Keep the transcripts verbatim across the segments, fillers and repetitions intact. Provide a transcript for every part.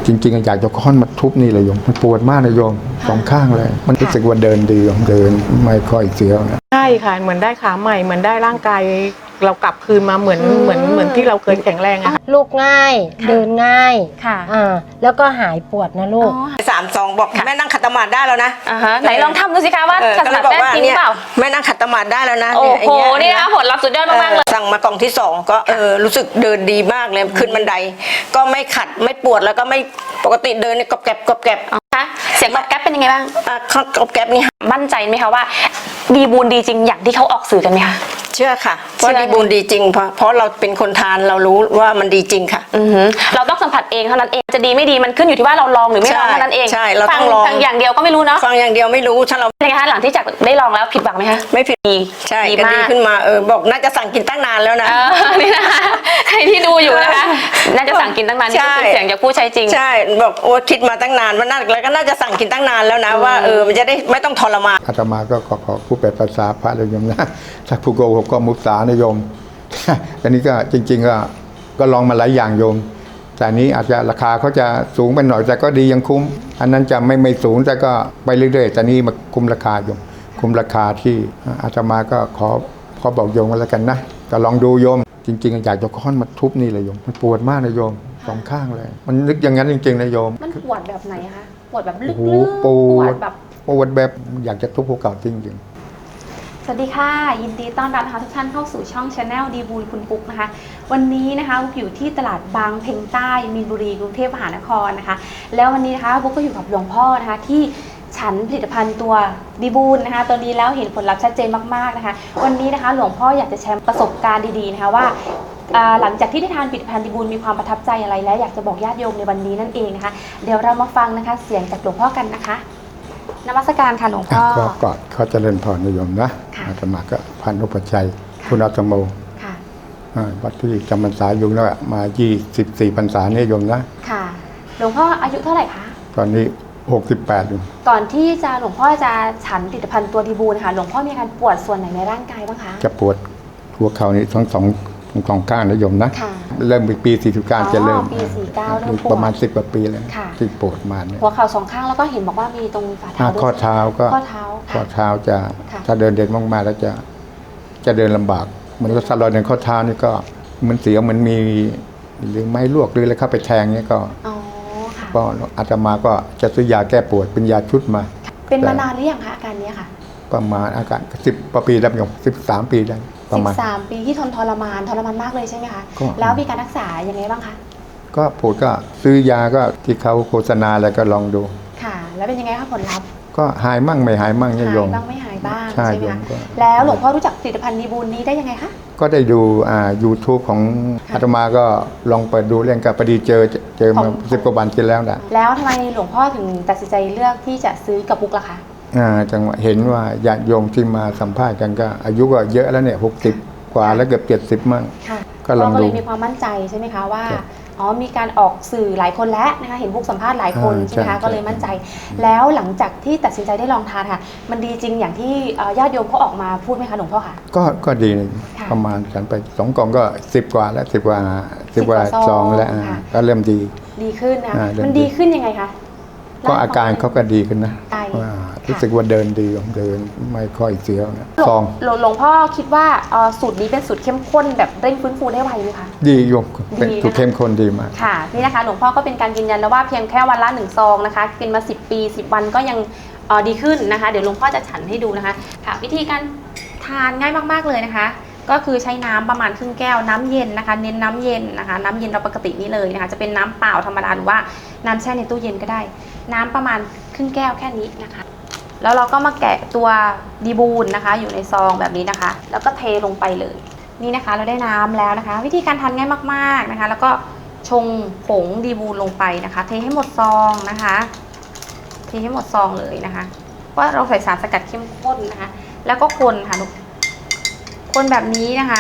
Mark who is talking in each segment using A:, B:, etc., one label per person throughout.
A: จริงๆอยากจะค้อนมาทุบนี่เลยโยมมันปวดมากนะโยมสองข้างเลยมันรู้สึกว่าเดินดีโยมเดินไม่ค่อยเสียวนะ
B: ใช่ค่ะเหมือนได้ขาใหม่เหมือนได้ร่างกายเรากลับคืนมาเหมือนเหมือนเหมือนที่เราเคยแข็งแรงอะค่ะ
C: ลูกง่ายเดินง่าย
D: ค่ะ
C: อ่าแล้วก็หายปวดนะลูก
E: สามสองบอกแม่นั่งขัดสมาธิได้แล้วนะ
D: อ่าฮะไหนลองทำดูสิคะว่าขัดสมาธิได้จริงหรือเปล่า
E: แม่นั่งขัดสมาธิได้แล้วนะ
D: โอ้โหนี่นะผลลัพธ์สุดยอดมากๆเลย
E: สั่งมากล่องที่สองก็เออรู้สึกเดินดีมากเลยขึ้นบันไดก็ไม่ขัดไม่ปวดแล้วก็ไม่ปกติเดินกรอบแกรบกรอบแกรบ
D: คะเสียงกรอบแกรบเป็นยังไงบ้าง
E: อ่ะกรอบแกรบนี่
D: มั่นใจไหมคะว่าดีบูนดีจริงอย่างที่เขาออกสื่อกันไหมคะ
E: เชื่อค่ะว่าดีบูนดีจริงเพราะเพราะเราเป็นคนทานเรารู้ว่ามันดีจริงค่ะ
D: อือหือเราต้องสัมผัสเองเท่านั้นเองจะดีไม่ดีมันขึ้นอยู่ที่ว่าเราลองหรือไม่ลองเท่านั้นเอง
E: ใช่เราต้องลอง
D: ฟังอย่างเดียวก็ไม่รู้เนาะ
E: ฟังอย่างเดียวไม่รู้ถ้าเรา
D: เป็นไงคะหลังที่จากได้ลองแล้วผิดหวังไหมคะ
E: ไม่ผิดดีใช่ก็ดีขึ้นมาเออบอกน่าจะสั่งกินตั้งนานแล้วนะ
D: นี่นะคะใครที่ดูอยู่นะคะน่าจะสั่งกินตั้งนานนี่เป็นเสียงจากผู้ใช้จริง
E: ใช่บอกโอ้คิดมาตั้งนานว่าน่าแล้วก็น่าจะสั่งกินตั้งนานแล้วนะว่าเออมันจะได้ไม่ต้องทรมาน
A: อาตมาก็ขอขอผู้แปลภาษาพระเลยโยมนะถ้าผู้โกหกก็มุสานะโยมอันนี้ก็จริงๆก็ก็ลองมาหลายอย่างโยมแต่นี้อาจจะราคาเขาจะสูงไปหน่อยแต่ก็ดียังคุ้มอันนั้นจะไม่ไม่สูงแต่ก็ไปเรื่อยๆแต่นี้มาคุ้มราคาโยมคุ้มราคาที่อาตมาก็ขอขอบอกโยมกันแล้วกันนะก็ลองดูโยมจริงๆอยากจะค้อนมาทุบนี่เลยโยมมันปวดมากนะโยมสองข้างเลยมันนึกอย่างนั้นจริงๆนะโยม
D: มันปวดแบบไหนคะปวดแบบลึก
A: ๆปวดแบบปวดแบบอยากจะทุบหัวเก่าจริงๆ
D: สวัสดีค่ะยินดีต้อนรับนะคะทุกท่านเข้าสู่ช่อง Channel ดีบูลคุณปุ๊กนะคะวันนี้นะคะบุ๊กอยู่ที่ตลาดบางเพ็งใต้มีนบุรีกรุงเทพมหานครนะคะแล้ววันนี้นะคะบุ๊กก็อยู่กับหลวงพ่อนะคะที่ฉันผลิตภัณฑ์ตัวดีบูลนะคะตัวนี้แล้วเห็นผลลัพธ์ชัดเจนมากๆนะคะวันนี้นะคะหลวงพ่ออยากจะแชร์ประสบการณ์ดีๆนะคะว่าหลังจากที่ได้ทานผลิตภัณฑ์ดีบูลมีความประทับใจอะไรและอยากจะบอกญาติโยมในวันนี้นั่นเองนะคะเดี๋ยวเรามาฟังนะคะเสียงจากหลวงพ่อกันนะคะนมัสการค่ะหลวงพ่อ
A: ก็กอดเขาเจริญพรนิยมนะอาตมาก็พันอุปชัยคุณอาตโมวัดที่จำพรรษาอยู่แล้วมายี่สิบสี่พรรษาเนี่ยโยมนะ
D: ค่ะหลวงพ่ออายุเท่าไหร่คะ
A: ตอนนี้หกสิบแปดอยู่
D: ก่อนที่จะหลวงพ่อจะฉันผลิตภัณฑ์ตัวดีบูลค่ะหลวงพ่อมีอาการปวดส่วนไหนในร่างกายบ้างคะ
A: จะปวดหัวเข่านี่ทั้งสองสองข้างนะโยมนะเริ่มปีสี่สิบเก้าจะเริ่ม
D: ปีสี่เก้าเริ่มปวด
A: ประมาณสิบกว่าปีแล้วที่ปวดมาเนี่ย
D: หัวเข่าสองข้างแล้วก็เห็นบอกว่ามีตรงฝ่าเท้า
A: ข้อเท้าก็
D: ข้อเท้า
A: ข้อเท้าจะถ้าเดินเด่นมากๆแล้วจะจะเดินลำบากเหมือนกับสลอยในข้อเท้านี่ก็เหมือนเสียวเหมือนมีหรือไม้ลวกหรืออะไรเข้าไปแทงเนี่ยก็ก็อาตมาก็จะซื้อยาแก้ปวดเป็นยาชุดมา
D: เป็นมานานหรือยังคะอาการนี้ค่ะ
A: ประมาณอาการสิบปีแล้วโยมสิบสามปีได้
D: ประมาณสิบสามปีที่ทนทรมานทรมานมากเลยใช่ไหมคะแล้วมีการรักษายังไงบ้างคะ
A: ก็ปวดก็ซื้อยาก็ที่เขาโฆษณาอะไรก็ลองดู
D: ค่ะแล้วเป็นยังไงคะผลลัพธ์
A: ก็หายมั่งไม่หายมั่งเนี่ยโยม
D: หายบ้างไม่หายบ้างใช่ไหมคะแล้วหลวงพ่อรู้จักผลิตภัณฑ์ดีบูลนี้ได้ยังไงคะ
A: ก็ได้ดูอ่า ยูทูบ ของอาตมาก็ลองเปิดดูเรื่องกับพอดีเจอเจอมาสิบกว่าวันกินแล้วนะ
D: แล้วทำไมหลวงพ่อถึงตัดสินใจเลือกที่จะซื้อกับบุ๊กล่ะคะ
A: อ่าจังหวะเห็นว่าญาติโยมที่มาสัมภาษณ์กันก็อายุก็เยอะแล้วเนี่ยหกสิบกว่าแล้วเกือบเจ็ดสิบมั่ง
D: ก็ลองดูก็เลยมีความมั่นใจใช่ไหมคะว่าอ๋อมีการออกสื่อหลายคนแล้วนะคะเห็นบุ๊กสัมภาษณ์หลายคนใช่ไหมคะก็เลยมั่นใจแล้วหลังจากที่ตัดสินใจได้ลองทานค่ะมันดีจริงอย่างที่ญาติโยมเขาออกมาพูดไหมคะหลวงพ่อคะ
A: ก็ก็ดีประมาณฉันไปสองกล่องก็สิบกว่าแล้วสิบกว่าสิบกว่าซองแล้วก็เริ่มดี
D: ดีขึ้นนะมันดีขึ้นยังไงคะ
A: ก็อาการเขาก็ดีขึ้นนะรู้สึกว่าเดินดีเดินไม่ค่อยเสียวนะ
D: ซองหลวงพ่อคิดว่าสูตรนี้เป็นสูตรเข้มข้นแบบเร่งฟื้นฟูได้ไวไหมคะ
A: ดีโยมเป็นสูตรเข้มข้นดีมาก
D: ค่ะนี่นะคะหลวงพ่อก็เป็นการยืนยันแล้วว่าเพียงแค่วันละหนึ่งซองนะคะกินมาสิบปีสิบวันก็ยังดีขึ้นนะคะเดี๋ยวหลวงพ่อจะฉันให้ดูนะคะค่ะวิธีการทานง่ายมากๆเลยนะคะก็คือใช้น้ำประมาณครึ่งแก้วน้ำเย็นนะคะเน้นน้ำเย็นนะคะน้ำเย็นเราปกตินี่เลยนะคะจะเป็นน้ำเปล่าธรรมดาหรือว่าน้ำแช่ในตู้เย็นก็ได้น้ำประมาณครึ่งแก้วแค่นี้นะคะแล้วเราก็มาแกะตัวดีบูลนะคะอยู่ในซองแบบนี้นะคะแล้วก็เทลงไปเลยนี่นะคะเราได้น้ำแล้วนะคะวิธีการทานง่ายมากๆนะคะแล้วก็ชงผงดีบูลลงไปนะคะเทให้หมดซองนะคะเทให้หมดซองเลยนะคะว่าเราใส่สารสกัดเข้มข้นนะคะแล้วก็คนค่ะลูกคนแบบนี้นะคะ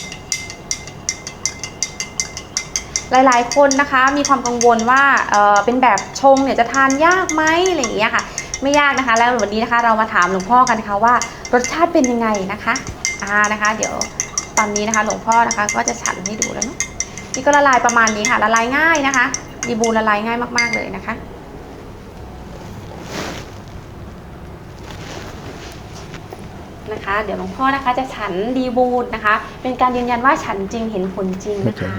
D: หลายๆคนนะคะมีความกังวลว่าเออเป็นแบบชงเนี่ยจะทานยากไหมอะไรอย่างเงี้ยค่ะไม่ยากนะคะแล้ววันนี้นะคะเรามาถามหลวงพ่อกันนะคะว่ารสชาติเป็นยังไงนะคะอ่านะคะเดี๋ยวตอนนี้นะคะหลวงพ่อนะคะก็จะฉันให้ดูแล้วเนาะนี่ก็ละลายประมาณนี้ค่ะละลายง่ายนะคะดีบูนละลายง่ายมากๆเลยนะคะนะคะเดี๋ยวหลวงพ่อนะคะจะฉันดีบูนนะคะเป็นการยืนยันว่าฉันจริงเห็นผลจริงนะคะ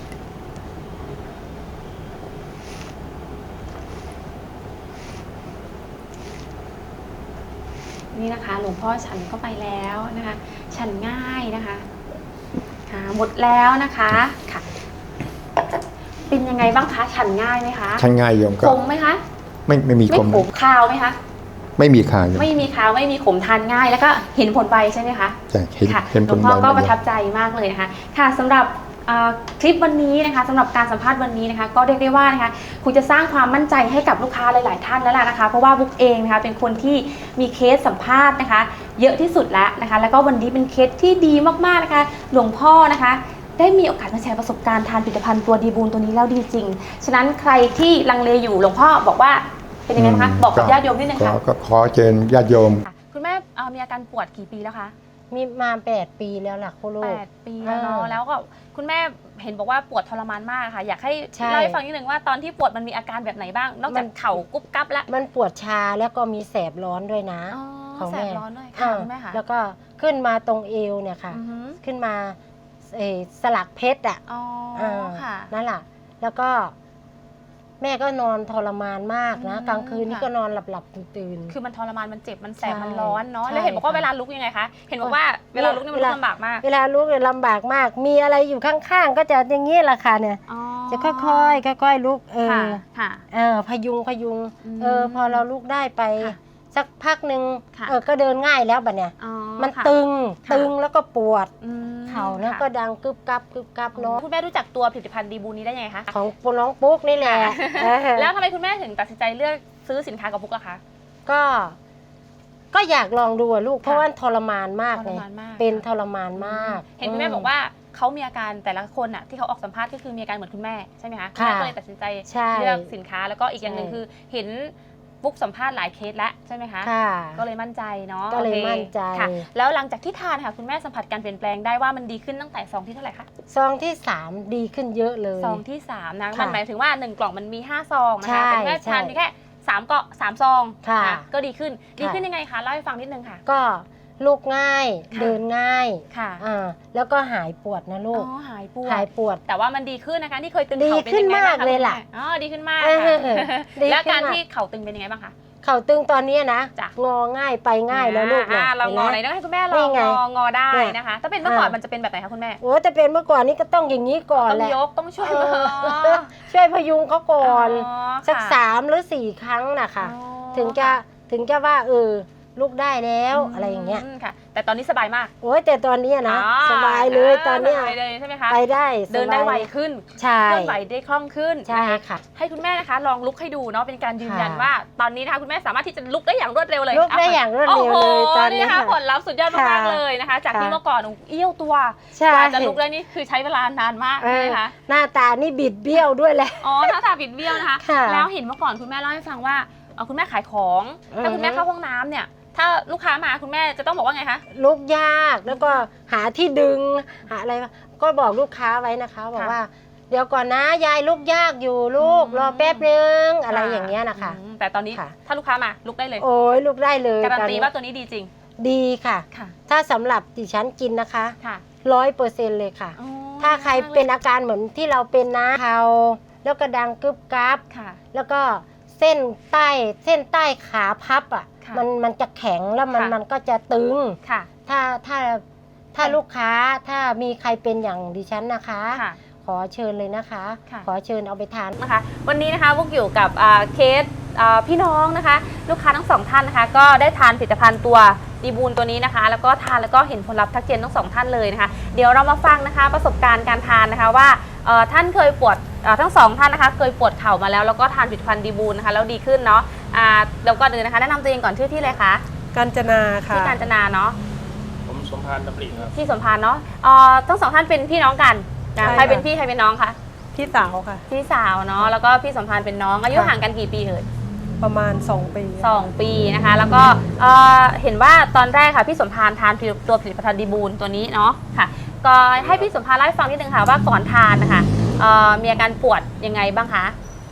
D: นี่นะคะหลวงพ่อฉันเข้าไปแล้วนะคะฉันง่ายนะคะค่ะหมดแล้วนะคะค่ะเป็นยังไงบ้างคะฉันง่ายไหมคะ
A: ฉันง่ายโยมก็
D: ขมไหมคะ
A: ไม่ไม่มี
D: ไม่
A: คม
D: ขมคาวไหมคะ
A: ไม่มีคาโยม
D: ไม่มีคาวไม่มีขมทานง่ายแล้วก็เห็นผลไวใช่ไหมคะ
A: ใช่เห็น
D: ค่ะ
A: เห็น
D: ห
A: ผ
D: ลว
A: ล
D: งพ่อก็
A: ไว
D: ประทับใจมากเลยนะคะค่ะสำหรับคลิปวันนี้นะคะสำหรับการสัมภาษณ์วันนี้นะคะก็เรียกได้ว่านะคะคุณจะสร้างความมั่นใจให้กับลูกค้าหลาย ๆ ท่านแล้วล่ะนะคะเพราะว่าบุ๊กเองนะคะเป็นคนที่มีเคสสัมภาษณ์นะคะเยอะที่สุดแล้วนะคะแล้วก็วันนี้เป็นเคสที่ดีมากๆนะคะหลวงพ่อนะคะได้มีโอกาสมาแชร์ประสบการณ์ทานผลิตภัณฑ์ตัวดีบูนตัวนี้แล้วดีจริงฉะนั้นใครที่ลังเลอยู่หลวงพ่อบอกว่าเป็นยังไงคะบอกกับญาติโยมนิดนึงค่ะ
A: ก็ขอเชิญญาติโยม
D: คุณแม่มีอาการปวดกี่ปีแล้วคะ
C: มีมาแปดปีแล้วล่ะคุณลู
D: แป
C: ก
D: ดปีแล้วเนาะ
C: อ่า
D: แล้วก็คุณแม่เห็นบอกว่าปวดทรมานมากค่ะอยากให้
C: ใช่
D: เล่าให้ฟังนิดนึงว่าตอนที่ปวดมันมีอาการแบบไหนบ้าง นอกจาก
C: มัน
D: เข่ากุ๊บกั๊บแล้ว
C: มันปวดชาแล้วก็มีแสบร้อนด้วยนะ
D: อ๋อ
C: ของ
D: แส
C: แม่
D: บร้อนด้วยค่ะ
C: อ่า
D: คุณแม่ค่ะ
C: แล้วก็ขึ้นมาตรงเอวเนี่ยค่ะ
D: อือหือ
C: ขึ้นมาเอ่อสลักเพชรอ่ะ
D: อ๋อ
C: อ่า
D: ค่ะ
C: นั่นแหละแล้วก็แม่ก็นอนทรมานมากนะ
D: อืม
C: กลางคืนนี่
D: ค่ะ
C: ก็นอนหลับหลับๆตื่นๆ
D: คือมันทรมานมันเจ็บมันแสบ
C: ใช่
D: มันร้อนเนาะ
C: ใช่
D: แล้วเห็นบอกว่า
C: ค่ะ
D: เวลาลุกยังไงคะเห็นบอกว่าเวลาลุกนี่มัน
C: เวลา
D: ลำบากมาก
C: เวลาลุกเนี่ยลำบากมาก มีอะไรอยู่ข้างๆ ก็จะอย่างนี้แหละค่ะเนี่ย
D: อ๋อ
C: จะค่อยๆค่อยๆลุกเอ
D: ค่ะ
C: อ
D: ค่ะ
C: เออพยุงพยุง
D: อืม
C: เออพอเราลุกได้ไป
D: ค่ะ
C: สักพักหนึ่ง
D: ค่ะ
C: เออก็เดินง่ายแล้วบัดเนี่ย
D: อ๋อ
C: มัน
D: ค่ะ
C: ตึง
D: ค่ะ
C: ตึงแล้วก็ปวด
D: อืม
C: เข่าแล้ว
D: ค่ะ
C: ก็ดังกึบกับกึบกับเนาะ
D: คุณแม่รู้จักตัวผลิตภัณฑ์ดีบูนี้ได้ยังไงคะ
C: ของปุน้องปุ๊กนี่แหละเออ
D: แล้วทำไมคุณแม่ถึงตัดสินใจเลือกซื้อสินค้ากับพุกอะคะ
C: ก็ ก็อยากลองดูอะลูก เพราะว่าทรมานมาก
D: ท
C: เล
D: ร
C: ย
D: มานมาก
C: เป็นทรมานมาก
D: เห็นคุณแม่บอกว่าเขามีอาการแต่ละคนอะที่เขาออกสัมภาษณ์ก็คือมีอาการเหมือนคุณแม่ใช่ไหมคะคุณ
C: ค่ะ
D: แม่ก็เลยตัดสินใจ
C: ใช่
D: เลือกสินค้าแล้วก็อีกอย่างหนึ่ง
C: ใช่
D: คือเห็นปุ๊กสัมภาษณ์หลายเคสแล้วใช่ไหมคะ
C: ค่ะ
D: ก็เลยมั่นใจเนาะ
C: ก็เลย
D: โอค
C: มั่นใจ
D: ค่ะ แล้วหลังจากที่ทานค่ะคุณแม่สัมผัสการเปลี่ยนแปลงได้ว่ามันดีขึ้นตั้งแต่ซองที่เท่าไหร่คะ
C: ซองที่สามดีขึ้นเยอะเลย
D: ซองที่สามนะ
C: ค่ะ
D: มันหมายถึงว่าหนึ่งกล่องมันมีห้าซองนะ
C: ใช่
D: คะแต่คุณแม่ทาน
C: ใช่
D: เพียงแค่สามเกาะสามซอง
C: ค่ะ
D: นก็ดีขึ้นดี
C: ค่ะ
D: ขึ้นยังไงคะเล่าให้ฟังนิดนึงค่ะ
C: ก็ลุกง่าย
D: ค่ะ
C: เดินง่าย
D: ค่ะ
C: อ่าแล้วก็หายปวดนะ
D: อ๋
C: ลูก
D: อหายปวด
C: หายปวด
D: แต่ว่ามันดีขึ้นนะคะที่เคยตึง
C: ดี
D: เข่าเป็น
C: ขึ้น
D: ยังไงบ้าง
C: มากเลยล่ะ
D: คุณแม่อ๋อดีขึ้นมาก
C: เออ
D: ค่ะ
C: ดี
D: แล้ว
C: ขึ้น
D: การ
C: มาก
D: ที่เข่าตึงเป็นยังไงบ้างคะ
C: เข่าตึงตอนเนี้ยนะ
D: จ้ะ
C: งอง่ายไปง่ายแล้วลูก
D: อ่าเรางอไหน
C: ห็น
D: ต้
C: ไหม
D: องให้คุณแม่ล
C: นี่
D: อง
C: ไง
D: งองอได้
C: เนี่ย
D: นะคะ ถ้าเป็นเมื่อก่อน
C: อ่ามั
D: มันจะเป็นแบบไหนคะคุณแม่
C: โอ้แต่เป็นเมื่อก่อนนี่ก็ต้องอย่างนี้ก่อน
D: ต้อง
C: แหละ
D: ยกต้องช่วย
C: เอ
D: มือ
C: อช่วยพยุงเขาก่อน
D: อ๋อ
C: สัก
D: ค่ะ
C: สามหรือสี่ครั้งนะคะ
D: อ๋อ
C: ถึงจะถึงจะว่าเออลุกได้แล้ว
D: ม
C: อะไรอย่างเงี้ย
D: ค่ะ แต่ตอนนี้สบายมาก
C: โอ้ยแต่ตอนเนี้ยนะ
D: อ๋อ
C: สบายเลยตอนเนี้ย
D: สบายเลยใช่ไหมคะ
C: ไปได้
D: เดินได้
C: สบาย
D: ไวขึ้น
C: ใช่
D: เคลื่อนไหวได้คล่องขึ้น
C: ใช่
D: นะคะ
C: ค่ะ
D: ให้คุณแม่นะคะลองลุกให้ดูเนาะเป็นการยืนยัน
C: ค่ะ
D: ว่า ตอนนี้นะคะคุณแม่สามารถที่จะลุกได้อย่างรวดเร็วเลย
C: ลุกได้อย่างรวดเร็วเลย
D: โโห
C: ตอนนี้
D: นะคะ
C: ค่ะ
D: ผลลัพธ์สุดยอดมาก
C: ค่ะ
D: ๆเลยนะคะ จากที่
C: ค่ะ
D: เมื่อก่อนเอี้ยวตัว
C: ใช่
D: กว่าจะลุกได้นี่คือใช้เวลานานมาก
C: เอ
D: ใช่
C: อ
D: ไหมคะ
C: หน้าตานี่บิดเบี้ยวด้วยแหละ
D: อ๋อหน้าตาบิดเบี้ยวนะคะ
C: ค่ะ
D: แล้วเห็นเมื่อก่อนคุณแม่เล่าให้ฟังว่าเอ่อคุณแม่ขายของ
C: อือฮึ
D: ถ้าคุณแม่เข้าห้องน้ำเนี่ยถ้าลูกค้ามาคุณแม่จะต้องบอกว่าไงคะ
C: ลุกยากแล้วก็หาที่ดึงหาอะไรก็บอกลูกค้าไว้นะคะ บอกว่า เดี๋ยวก่อนนะยายลุกยากอยู่ลูก
D: อืม
C: รอแป๊บนึงอะไรอย่างเงี้ยนะคะ
D: อืมแต่ตอนนี้
C: ค่ะ
D: ถ้าลูกค้ามาลุกได้เลย
C: โอ้ยลุกได้เลย
D: การัน
C: ตอน
D: ตี
C: นี้
D: ว่าตัวนี้ดีจริง
C: ดีค่ะ
D: ค่ะ
C: ถ้าสำหรับดิฉันกินนะคะ
D: ค่ะ
C: ร้อยเปอร์เซ็นต์เลยค่ะ
D: อ๋อ
C: ถ้าใครเป็นอาการเหมือนที่เราเป็นนะเข่าแล้วก็ดังกึบกับ
D: ค่ะ
C: แล้วก็เส้นใต้เส้นใต้ขาพับอ่ะ
D: ค่ะ
C: มันมันจะแข็งแล้วมัน
D: ค่ะ
C: มันก็จะตึง
D: ค่ะ
C: ถ้าถ้าถ้าลูกค้าถ้ามีใครเป็นอย่างดิฉันนะคะ
D: ค่ะ
C: ขอเชิญเลยนะคะ
D: ค่ะ
C: ขอเชิญเอาไปทาน
D: นะคะวันนี้นะคะพวกอยู่กับอ่าเคสอ่าพี่น้องนะคะ ลูกค้าทั้งสองท่านนะคะ ก็ได้ทานผลิตภัณฑ์ตัวดีบูนตัวนี้นะคะ แล้วก็ทานแล้วก็เห็นผลลัพธ์ทักเจนทั้งสองท่านเลยนะคะ เดี๋ยวเรามาฟังนะคะประสบการณ์การทานนะคะว่าเอ่อท่านเคยปวดเอ่อทั้งสองท่านนะคะ เคยปวดเข่ามาแล้วแล้วก็ทานผลิตภัณฑ์ดีบูนนะคะแล้วดีขึ้นเนาะอ่าเดี๋ยวก่อนอื่นนะคะแนะนำตัวเองก่อนชื่อที่เลยคะ
B: กาญจนาค่ะ
D: ที่กาญจนาเนาะ
F: ผมสมพานดำริครับ
D: ที่สมพานเนาะเอ่อทั้งสองท่านเป็นพี่น้องกันนะ
B: ใช่
D: ใครเป็น
B: ค่ะ
D: พี่ใครเป็นน้องคะ
B: พี่สาวค่ะ
D: พี่สาวเนาะแล้วก็พี่สมพานเป็นน้องอายุ
B: ค่ะ
D: ห่างกันกี่ปีเอ่ย
B: ประมาณสองปี
D: สองปีนะคะแล้วก็เอ่อเห็นว่าตอนแรกค่ะพี่สมพานทานตัวผลิตภัณฑ์ดีบูนตัวนี้เนาะค่ะก็ให้พี่สมพานเล่าให้ฟังนิดนึงค่ะว่าก่อนทานนะคะเอ่อมีอาการปวดยังไงบ้างคะ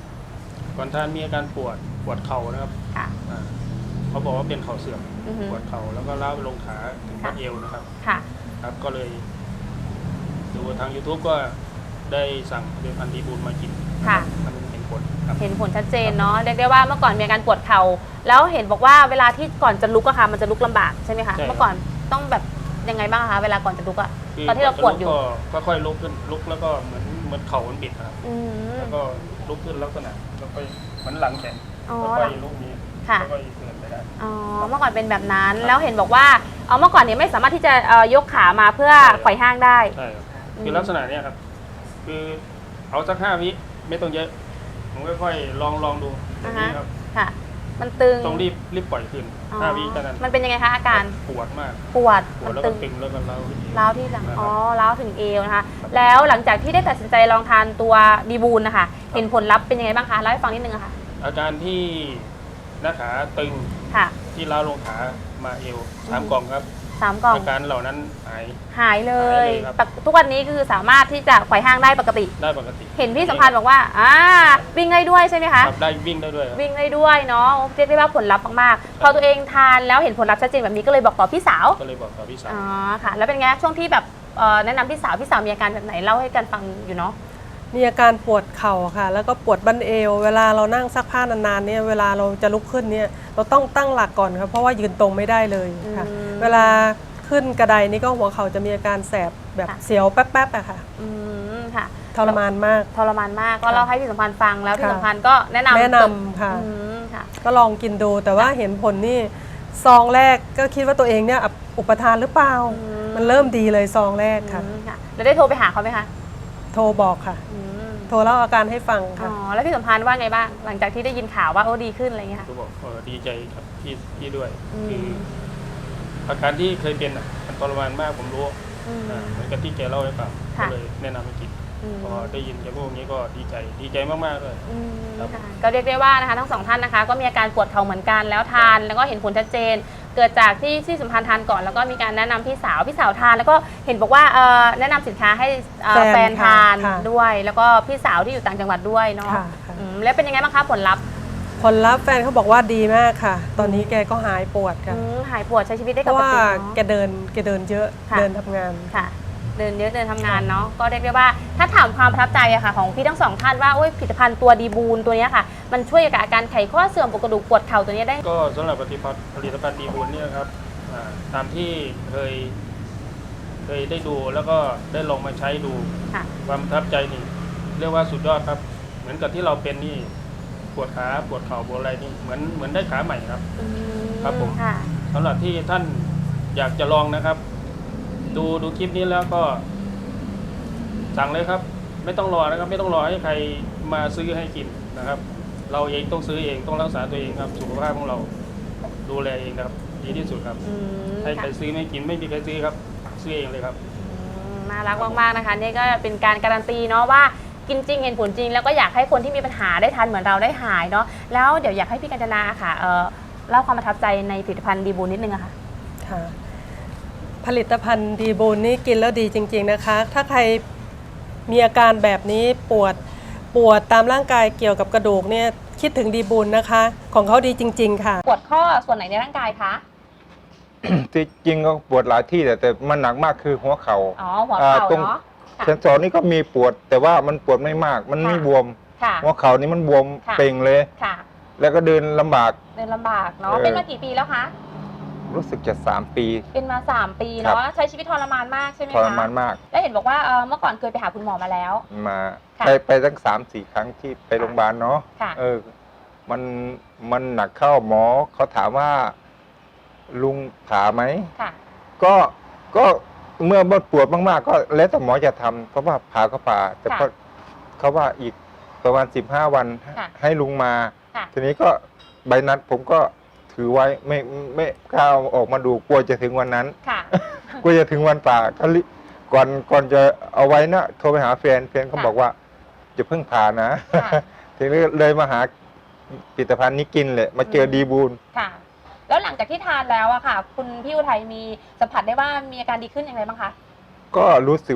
F: ก่อนท่านมีอาการปวดปวดเข่านะครับ
D: ค่ะ
F: อ่าเขาบอกว่าเป็นเข่าเสื่อม
D: อือฮึ
F: ปวดเข่าแล้วก็ล้าวไปลงขาถึง
D: ค่ะ
F: บัดเอวนะครับ
D: ค่ะ
F: ครับก็เลยดูทาง YouTube ก็ได้สั่งเดือนพันธีบูลมากิน
D: ค่ะ
F: มันเห็นผลครับ
D: เห็นผลชัดเจนเนาะเรียกได้ว่าเมื่อก่อนมีอาการปวดเข่าแล้วเห็นบอกว่าเวลาที่ก่อนจะลุกอะค่ะมันจะลุกลำบากใช่ไหมคะ
F: ใช่ครับ
D: เมื่อก่อนต้องแบบยังไงบ้างคะเวลาก่อนจะลุกอะ
F: คื
D: ตอนที่เราปวดอยู่
F: ก็ค่อยๆลุกขึ้นลุกแล้วก็เหมือนเหมือนเข่ามันบิดนะครับ
D: อืม
F: แล้วก็ลุกขึ้นลักษณะแล้วก็เหมือนหลังแข็ง
D: อ๋อ
F: แล้วก็ลุกนี้
D: ค่ะ
F: แล้วก็เดินไปได้
D: อ๋อเมื่อก่อนเป็นแบบนั้นแล้วเห็นบอกว่าเอาเมื่อก่อนเนี่ยไม่สามารถที่จะเอ่อยกขามาเพื่อ
F: ใช่ครับ
D: ไขว่ห้างได้
F: ใช่ครับ
D: อืม
F: คือลักษณะเนี้ยครับ คือเอาสักห้าวิไม่ต้องเยอะ ผมค่อยๆลองลองดูตรงนี้ครับ
D: ค่ะ มันตึง
F: ต้องรีบรีบปล่อยขึ้น
D: อ๋อ
F: ห้าวิเท่านั้น
D: มันเป็นยังไงคะอาการ
F: ปวดมาก
D: ปวด
F: ปว
D: มั
F: ด
D: น
F: แล้ว
D: ตึ
F: ก็
D: ง
F: ตึงแล้วก็เล้าขึ้นเอว
D: ร้าวที่หลัง
F: นะครับ
D: อ๋อร้าวถึงเอวนะคะ แล้วหลังจากที่ได้ตัดสินใจลองทานตัวดีบูลนะคะเห็นผลลัพธ์เป็นยังไงบ้างคะเล่าให้ฟังนิดนึงอะค่ะ
F: อาการที่หน้าขาตึง
D: ค่ะ
F: ที่ล้าวลงขามาเอวสามกล่องครับ
D: สามกล่อง
F: อาการเหล่านั้นหาย
D: หายเลย
F: หายเลยครับ
D: ปกทุกวันนี้คือสามารถที่จะไขว่ห้างได้ปกติ
F: ได้ปกติ
D: เห็นพี่สัมพันธ์บอกว่าอ่าวิ่งได้ด้วยใช่ไหมคะ
F: ครับได้วิ่งได้ด้วยครับ
D: วิ่งได้ด้วยเนาะเรียกได้ว่าผลลัพธ์มากๆ พอตัวเองทานแล้วเห็นผลลัพธ์ชัดเจนแบบนี้ก็เลยบอกต่อพี่สาว
F: ก็เลยบอกกับพี่สาว
D: อ๋อค่ะ แล้วเป็นไงช่วงที่แบบเอ่อแนะนำพี่สาวพี่สาวมีอาการแบบไหนเล่าให้กันฟังอยู่เนาะ
G: มีอาการปวดเข่าค่ะ แล้วก็ปวดบั้นเอว เวลาเรานั่งซักผ้านานๆเนี่ยเวลาเราจะลุกขึ้นเนี่ยเราต้องตั้งหลักก่อนครับเพราะว่ายืนตรงไม่ได้เลยค่ะ
D: อืม
G: เวลาขึ้นกระไดนี่ก็หัวเข่าจะมีอาการแสบแบบ
D: ค่ะ
G: เสียวแป๊บๆอะค่ะ
D: อืมค่ะ
G: ทรมานมาก
D: ทรมานมากก็เล่าให้พี่สัมพันธ์ฟังแล้วพี่
G: ค่ะ
D: สัมพันธ์ก็แนะนำ
G: แนะนำค่ะ
D: อืมค่ะ
G: ก็ลองกินดูแต่ว่าเห็นผลนี่ซองแรกก็คิดว่าตัวเองเนี่ยอุปทานหรือเปล่า
D: อืม
G: มันเริ่มดีเลยซองแรกค่ะ
D: อืมค่ะ แล้วได้โทรไปหาเขาไหมคะ
G: โทรบอกค่ะ
D: อืม
G: โทรเล่าอาการให้ฟัง
D: อ๋
G: ค่ะ
D: อแล้วพี่สัมพันธ์ว่าไงบ้างหลังจากที่ได้ยินข่าวว่าโอ้ดีขึ้นอะไรเงี้ยค่ะ
F: ก็บอกเออดีใจครับพี่พี่ด้วย
D: อืม
F: คืออาการที่เคยเป็นอ่ะมันทรมานมากผมรู้
D: อืม
F: อ่าเหมือนกับที่แกเล่าให้ฟัง
D: ค่ะ
F: ก็เลยแนะนำให้กิน
D: อืม
F: พอได้ยินแกพูดอย่างนี้ก็ดีใจดีใจมากๆเลย
D: อืม
F: ครับ
D: ค่ะก็เรียกได้ว่านะคะทั้งสองท่านนะคะ ก็มีอาการปวดเข่าเหมือนกันแล้วทานแล้วก็เห็นผลชัดเจน เกิดจากที่ที่สัมพันธ์ทานก่อนแล้วก็มีการแนะนำพี่สาวพี่สาวทาน แล้วก็เห็นบอกว่าเอ่อแนะนำสินค้าให้เอ่อ
G: แฟน
D: แฟนทาน
G: ค่ะ
D: ด้วย แล้วก็พี่สาวที่อยู่ต่างจังหวัดด้วยเนาะ
G: ค่ะค่ะ
D: อืมแล้วเป็นยังไงบ้างคะผลลัพธ์
G: ผลลัพธ์แฟนเขาบอกว่าดีมากค่ะ ตอนนี้แกก็หายปวดค่ะ
D: อืมหายปวดใช้ชีวิตได้
G: เพ
D: ป
G: ราะ
D: ก
G: ว่า
D: ติ
G: แก
D: เนาะ
G: เดินแกเดินเยอะ
D: ค่ะ
G: เดินทำงาน
D: ค่ะ เดินเยอะเดินทำงานเนาะก็เรียกได้ว่าถ้าถามความประทับใจอะค่ะของพี่ทั้งสองท่านว่าโอ้ยผลิตภัณฑ์ตัวดีบูลตัวเนี้ยค่ะ มันช่วยกับอาการไขข้อเสื่อมปวดกระดูกปวดเข่าตัวเนี้ยได้
F: ก็สำหรับผลิตภัณฑ์ผลิตภัณฑ์ดีบุญเนี่ยครับอ่าตามที่เคย เคยได้ดูแล้วก็ได้ลองมาใช้ดู
D: ค่ะ
F: ความประทับใจนี่เรียกว่าสุดยอดครับ เหมือนกับที่เราเป็นนี่ปวดขาปวดเข่าปวดอะไรนี่เหมือนเหมือนได้ขาใหม่ครับ
D: อืม
F: ครับผม
D: ค่ะ
F: สำหรับที่ท่านอยากจะลองนะครับ ดูดูคลิปนี้แล้วก็ สั่งเลยครับ ไม่ต้องรอนะครับ ไม่ต้องรอให้ใครมาซื้อให้กินนะครับ เราเองต้องซื้อเองต้องรักษาตัวเองครับ สุขภาพของเราดูแลเองครับ ดีที่สุดครับ
D: อืม
F: ให้ใคร
D: ค่ะ
F: ซื้อไม่กินไม่มีใครซื้อครับ ซื้อเองเลยครับ
D: อืมน่ารักมากๆนะคะนี่ก็เป็นการการันตีเนาะว่ากินจริงเห็นผลจริง แล้วก็อยากให้คนที่มีปัญหาได้ทานเหมือนเราได้หายเนาะแล้วเดี๋ยวอยากให้พี่กัญจนาค่ะเอ่อเล่าความประทับใจในผลิตภัณฑ์ดีบูลนิดนึงอะค่ะ
G: ค่ะ ผลิตภัณฑ์ดีบูลนี่กินแล้วดีจริง ๆนะคะ ถ้าใครมีอาการแบบนี้ปวดปวดตามร่างกายเกี่ยวกับกระดูกเนี่ยคิดถึงดีบูลนะคะ ของเขาดีจริง ๆ ค่ะ
D: ปวดข้อส่วนไหนในร่างกายคะ
H: ที่จริงก็ปวดหลายที่แต่แต่มันหนักมากคือหัวเขา
D: อ๋
H: ่า
D: อหัวเข่า
H: อ่าตรง
D: เนาะค่ะ
H: เซนสอนนี่ก็มีปวด แต่ว่ามันปวดไม่มาก มันไม่
D: ค่ะ
H: บวม
D: ค่ะ
H: หัวเข่านี่มันบวม
D: ค่ะ
H: เป่งเลย
D: ค่ะ
H: แล้วก็เดินลำบาก
D: เดินลำบากเนาะ
H: เออ
D: เป็นมากี่ปีแล้วคะ
H: รู้สึกจะสามปี
D: เป็นมาสามปี
H: ครั
D: เนาะ
H: บ
D: ใช้ชีวิตทรมานมากใช่ไหม
H: ท
D: คะ
H: รมานมาก
D: แล้วเห็นบอกว่าเอ่อเมื่อก่อนเคยไปหาคุณหมอมาแล้ว
H: มา
D: ค่ะ
H: ไปไปตั้งสามสี่ครั้งที่ไปโรงพยาบาลเนาะ
D: ค่ะ
H: เออ มันมันหนักเข้าหมอเขาถามว่า ลุงผ่าไหม
D: ค่ะ
H: ก็ก็เมื่อปวดมากๆ ก็แล้วแต่หมอจะทำเพราะว่าผ่าก็ผ่า แต่
D: ค่ะ
H: ก็เขาว่าอีกประมาณสิบห้าวัน
D: ค่ะ
H: ให้ลุงมา
D: ค่ะ
H: ทีนี้ก็ใบนัดผมก็ถือไว้ไม่ไม่กล้าเอาออกมาดูกลัวจะถึงวันนั้น
D: ค่ะ
H: กลัวจะถึงวันป่าก็รีก่อนก่อนจะเอาไว้นะโทรไปหาแฟนแฟนเขา
D: ค่ะ
H: บอกว่าจะเพิ่งผ่านะ
D: ค่ะ
H: ทีนี้เลยมาหาผลิตภัณฑ์นี้กินเลยมาเจอ
D: อืม
H: ดีบูล
D: ค่ะ แล้วหลังจากที่ทานแล้วอะค่ะ คุณพี่อุทัยมีสัมผัสได้ว่ามีอาการดีขึ้นอย่างไรบ้างคะ
H: ก็รู้สึกว่า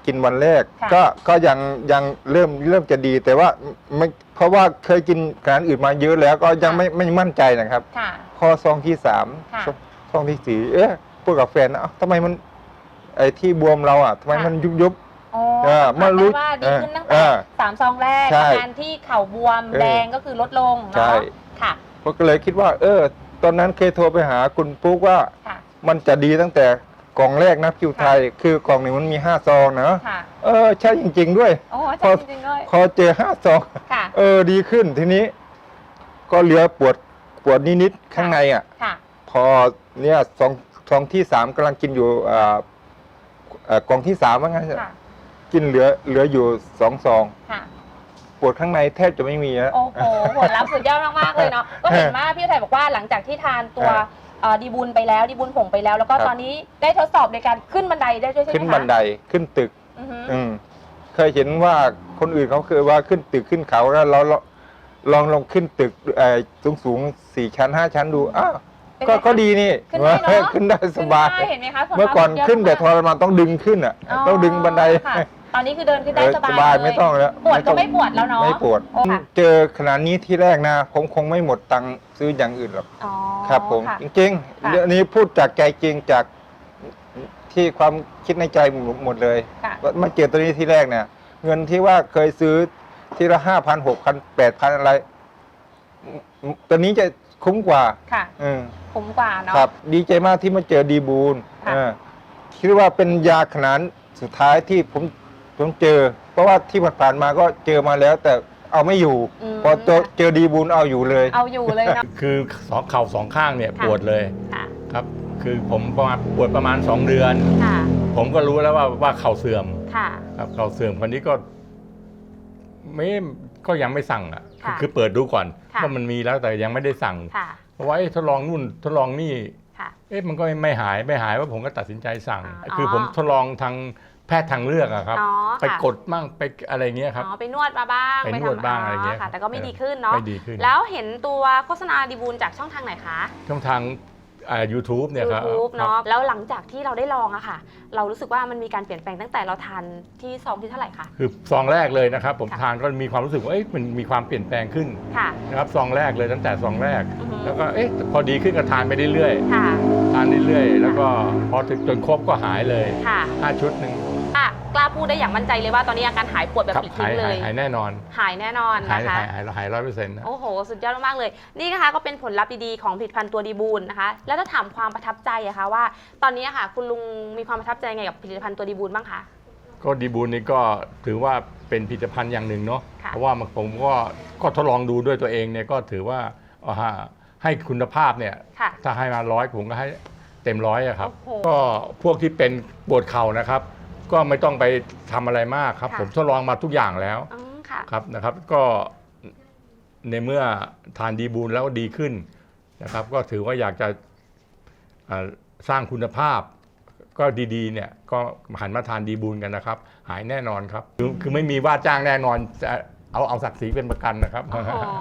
H: กินวันแรก
D: ค่ะ
H: ก็ก็ยังยังเริ่มเริ่มจะดีแต่ว่าไม่เพราะว่าเคยกินอาหารอื่นมาเยอะแล้วก็ยังไม่ไม่มั่นใจนะครับ
D: ค่ะ
H: พอซองที่สาม
D: ค่ะ
H: ซองซองที่สี่เอ๊ะพูดกับแฟนนะเอ้าทำไมมันไอ้ที่บวมเราอ่ะทำไมมันยุบยุบ
D: อ๋อ
H: เออ
D: สัมผัส
H: เมื่อรู้
D: ได้ว่าดีขึ้นตั้ง
H: เอ
D: แต่
H: อ
D: สามซองแรก
H: ใช่
D: อาการที่เข่าบวม
H: เออ
D: แดงก็คือลดลง
H: ใช่
D: เนาะค่ะ
H: ผมก็เลยคิดว่า เออ ตอนนั้นเคยโทรไปหาคุณปุ๊กว่า
D: ค่ะ
H: มันจะดีตั้งแต่กล่องแรกนะคิวไทย คือกล่องหนึ่งมันมีห้าซองนะ
D: ค่ะ
H: เออใช่จริง ๆ ด้วย
D: โอ้
H: พอ
D: ใช่จริงๆเลย
H: พอเจอห้าซอง
D: ค่ะ
H: เออดีขึ้นทีนี้ ก็เหลือปวดปวดนิดๆข้างในอ่ะ
D: ค่ะ
H: พอเนี่ยซองซองที่สามกำลังกินอยู่อ่าเอ่อกล่องที่สามว่างั้น
D: ค่ะ
H: กินเหลือเหลืออยู่สองซอง
D: ค่ะ
H: ปวดข้างในแทบจะไม่มีแล้ว
D: โอ้โหผลลัพธ์สุดยอดมากๆเลยเนาะ ก็เห็นว่าพี่ไทยบอกว่าหลังจากที่ทานตัว
H: ครับ
D: เอ่อดีบุญไปแล้วดีบุญผงไปแล้ว แล้วก็
H: ครับ
D: ตอนนี้ได้ทดสอบในการขึ้นบันไดได้ด้วยใช่ไหมคะ
H: ขึ้นบันไดขึ้นตึก
D: อือฮึ
H: อืมเคยเห็นว่าคนอื่นเขาเคยว่าขึ้นตึกขึ้นเขาแล้วเราเราลองลองขึ้นตึกสูงสูงๆสี่ชั้นห้าชั้นดูอ้าว
D: เป็นไง
H: ก็
D: คะ
H: ก็ดีนี่
D: ขึ้นได้เนอะ
H: ขึ้นได้สบาย
D: ขึ้นได้เห็นไหมคะผลลัพธ์
H: เมื่อก่อน
D: สุดยด
H: ขึ้นแต่ท
D: มาก
H: รมานต้องดึงขึ้นอ่ะ ต้องดึงบันได
D: ค่ะตอนนี้คือเดินขึ้นได้
H: เออ
D: สบาย
H: สบาย
D: เลย
H: ไม่ต้องแล้ว
D: ปวดก็
H: ต้อง
D: ไม่ปวดแล้วเนาะ
H: ไม่ปวด
D: โอ้ค่ะ
H: เจอขนาดนี้ที่แรกนะ ผมคงไม่หมดตังค์ซื้ออย่างอื่นหรอก
D: อ๋อ
H: ครับผม
D: ค่ะ
H: จริง
D: ค่ะ
H: ๆเรื่องนี้พูดจากใจจริงจากที่ความคิดในใจหมดเลย
D: ค่ะ
H: ว่ามาเจอตัวนี้ที่แรกเนี่ย เงินที่ว่าเคยซื้อทีละห้าพันหกพันแปดพันอะไรตัวนี้จะคุ้มกว่า
D: ค่ะ
H: อืม
D: คุ้มกว่าเนาะ
H: ครับ ดีใจมากที่มาเจอดีบูล
D: ค่ะ
H: เออคิดว่าเป็นยาขนาดสุดท้ายที่ผมผมเจอ เพราะว่าที่ผ่านๆมาก็เจอมาแล้ว แต่เอาไม่อยู่
D: ม
H: พอเจอเจอดีบูลเอาอยู่เลย
D: เอาอยู่เลยเนาะ
I: คือสองเข่าสองข้างเนี่ย
D: ค่ะ
I: ปวดเลย
D: ค่ะ
I: ครับ คือผมประมาณปวดประมาณ สอง เดือน
D: ค่ะ
I: ผมก็รู้แล้วว่าว่าเข่าเสื่อม
D: ค่ะ
I: ครับเข่าเสื่อมคนนี้ก็ไม่ก็ยังไม่สั่งอ่ะ
D: ค่ะ
I: คือเปิดดูก่อน
D: ค่ะ
I: ว่ามันมีแล้วแต่ยังไม่ได้สั่ง
D: ค่ะ
I: เพราะว่าเอ๊ะทดลองนู่นทดลองนี่
D: ค่ะ
I: เอ๊ะมันก็ไม่หายไม่หายว่าผมก็ตัดสินใจสั่ง
D: อ๋อ
I: คือผมทดลองทางแพทย์ทางเลือกอะครับ
D: อ๋อ
I: ไป
D: ค่ะ
I: กดมั่งไปอะไรเงี้ยครับ
D: อ๋อไปนวดมาบ้าง
I: ไปนวด
D: ทำ
I: บ้างอะไรเงี้ย
D: ค่ะ แต่ก็ไม่
I: เออ
D: ดีขึ้นเนาะ
I: ไม่ดีขึ้น
D: แล้วเห็นตัวโฆษณาดีบูลจากช่องทางไหนคะ
I: ช่องทางอ่า YouTube เนี่ยครับ
D: YouTube
I: ครับ
D: เนาะแล้วหลังจากที่เราได้ลองอะค่ะ เรารู้สึกว่ามันมีการเปลี่ยนแปลงตั้งแต่เราทานที่ซองที่เท่าไหร่คะ
I: คือซองแรกเลยนะครับ ผม
D: ค่ะ
I: ทานก็มีความรู้สึกว่าเอ๊ะมันมีความเปลี่ยนแปลงขึ้น
D: ค่ะ
I: นะครับซองแรกเลยตั้งแต่ซองแรก
D: อือฮึ
I: แล้วก็เอ๊ะพอดีขึ้นก็ทานไปเรื่อย
D: ค่ะ
I: ๆทานเรื่อยๆแล้วก็พอถึงจนครบก็หายเลย
D: ค่ะ
I: ห้าชุดหนึ่ง
D: อ่ะกล้าพูดได้อย่างมั่นใจเลยว่าตอนนี้อาการหายปวดแบบ
I: ครับ
D: ปลิด
I: หา
D: ทิ้
I: ย
D: งเล
I: หาย
D: ย
I: หายแน่นอน
D: หายแน่นอน
I: หาย
D: นะคะ
I: หายหายหายร้อยเปอร์เซ็นต์นะ
D: โอ้โห สุดยอดมากๆเลย นี่นะคะก็เป็นผลลัพธ์ดีๆของผลิตภัณฑ์ตัวดีบูลนะคะ แล้วถ้าถามความประทับใจอะคะว่า ตอนนี้อะค่ะ คุณลุงมีความประทับใจไงกับผลิตภัณฑ์ตัวดีบูลบ้างคะ
I: ก็ดีบูลนี่ก็ถือว่าเป็นผลิตภัณฑ์อย่างหนึ่งเนาะ
D: ค่ะ
I: เพราะว่าผมก็ก็ทดลองดูด้วยตัวเองเนี่ยก็ถือว่าเอาฮะให้คุณภาพเนี่ย
D: ค่ะ
I: ถ้าให้มาร้อยผมก็ให้เต็มร้อยอะครับ
D: โอ้โห
I: ก็พวกที่เป็นปวดเข่านะครับ ก็ไม่ต้องไปทำอะไรมากครับ
D: ค่ะ
I: ผมทดลองมาทุกอย่างแล้ว
D: อืมค่ะ
I: ครับนะครับ ก็ในเมื่อทานดีบูลแล้วดีขึ้นนะครับ ก็ถือว่าอยากจะอ่าสร้างคุณภาพ ก็ดีๆเนี่ยก็หันมาทานดีบูลกันนะครับ หายแน่นอนครับ คือคือไม่มีว่าจ้างแน่นอนจะเอาเอาศักดิ์ศรีเป็นประกันนะครับ
D: โอ้โห